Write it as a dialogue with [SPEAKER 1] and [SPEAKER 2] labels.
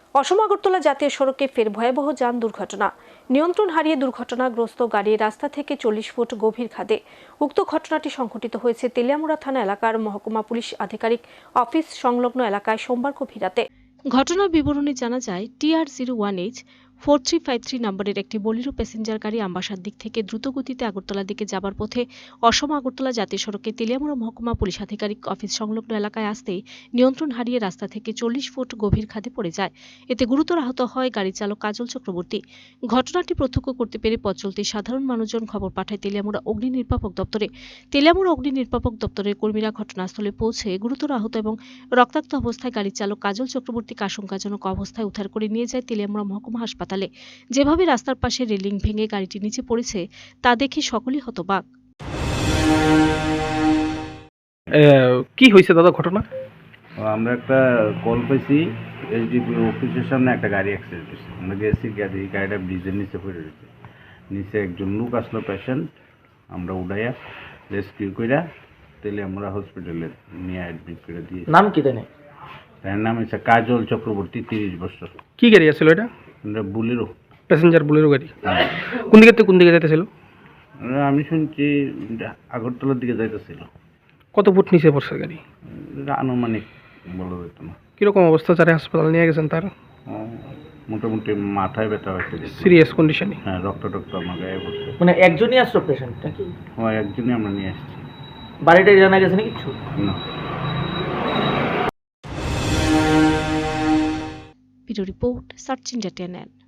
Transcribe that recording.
[SPEAKER 1] অসম আগরতলা জাতীয় সড়কে ফের ভয়াবহ যান দুর্ঘটনা। নিয়ন্ত্রণ হারিয়ে দুর্ঘটনাগ্রস্ত গাড়ি রাস্তা থেকে 40 ফুট গভীর খাদে। উক্ত ঘটনাটি সংঘটিত হয়েছে তেলিয়ামুড়া থানা এলাকার মহকুমা পুলিশ আধিকারিক অফিস সংলগ্ন এলাকায় সোমবার গভীর রাতে। ঘটনার বিবরণী জানা যায়, TR01H 4353 নম্বরের একটি বোলেরো প্যাসেঞ্জার গাড়ি আমবাসার দিক থেকে দ্রুত গতিতে আগরতলার দিকে যাবার পথে অসম আগরতলা জাতীয় সড়কে তেলিয়ামুড়া মহকুমা পুলিশ আধিকারিক অফিস সংলগ্ন এলাকায় আসতেই নিয়ন্ত্রণ হারিয়ে রাস্তা থেকে 40 ফুট গভীর খাদে পড়ে যায়। এতে গুরুতর আহত হয় গাড়ি চালক কাজল চক্রবর্তী। ঘটনাটি প্রত্যক্ষ করতে পেরে পথ চলতি সাধারণ মানুষজন খবর পাঠায় তেলিয়ামুড়া অগ্নি নির্বাপক দপ্তরে। তেলিয়ামুড়া অগ্নি নির্বাপক দপ্তরের কর্মীরা ঘটনাস্থলে পৌঁছে গুরুতর আহত এবং রক্তাক্ত অবস্থায় গাড়ি চালক কাজল চক্রবর্তীকে আশঙ্কাজনক অবস্থায় উদ্ধার করে নিয়ে যায় তেলিয়ামুড়া মহকুমা হাসপাতালে। যেভাবে রাস্তার পাশে রেলিং ভেঙে গাড়িটি নিচে পড়েছে তা দেখে সকলেই হতবাক।
[SPEAKER 2] কি হয়েছে দাদা ঘটনা?
[SPEAKER 3] আমরা একটা কল পেয়েছি, এসডিপি অফিসের সামনে একটা গাড়ি অ্যাক্সিডেন্ট হয়েছে। আমরা গেছি, গাড়িটা ব্রিজের নিচে পড়ে রয়েছে। নিচে একজন লোক আসলো, পেশেন্ট। আমরা উঠাইয়া রেস্কিউ কইরা তেলিয়ামুড়া হসপিটালে নিয়ে অ্যাডমিট করে দিয়েছি।
[SPEAKER 2] নাম কি জানে?
[SPEAKER 3] তার নাম হচ্ছে কাজল চক্রবর্তী, 30 বছর।
[SPEAKER 2] কি গাড়ি আছিল এটা?
[SPEAKER 3] আমরা বুলেরো,
[SPEAKER 2] প্যাসেঞ্জার বোলেরো গাড়ি। কোন দিকে থেকে কোন দিকে যাইতেছিল?
[SPEAKER 3] আমি শুনছি আগরতলার দিকে যাইতেছিল।
[SPEAKER 2] কত ফুট নিচে পড়ছে গাড়ি?
[SPEAKER 3] এটা আনুমানিক বলা যেত না।
[SPEAKER 2] কিরকম অবস্থা? যারা হাসপাতাল নিয়ে গেছেন তার?
[SPEAKER 3] মোটামুটি মাথায় ব্যথা হয়েছে,
[SPEAKER 2] সিরিয়াস কন্ডিশনে।
[SPEAKER 3] হ্যাঁ, রক্ত আমার গায়ে পড়ছে।
[SPEAKER 4] মানে একজনই আসলো পেশেন্ট নাকি?
[SPEAKER 3] হ্যাঁ, একজনই আমরা নিয়ে আসছি।
[SPEAKER 4] বাড়িটা জানা গেছে না কিছু?
[SPEAKER 3] না।
[SPEAKER 1] Video report search India channel.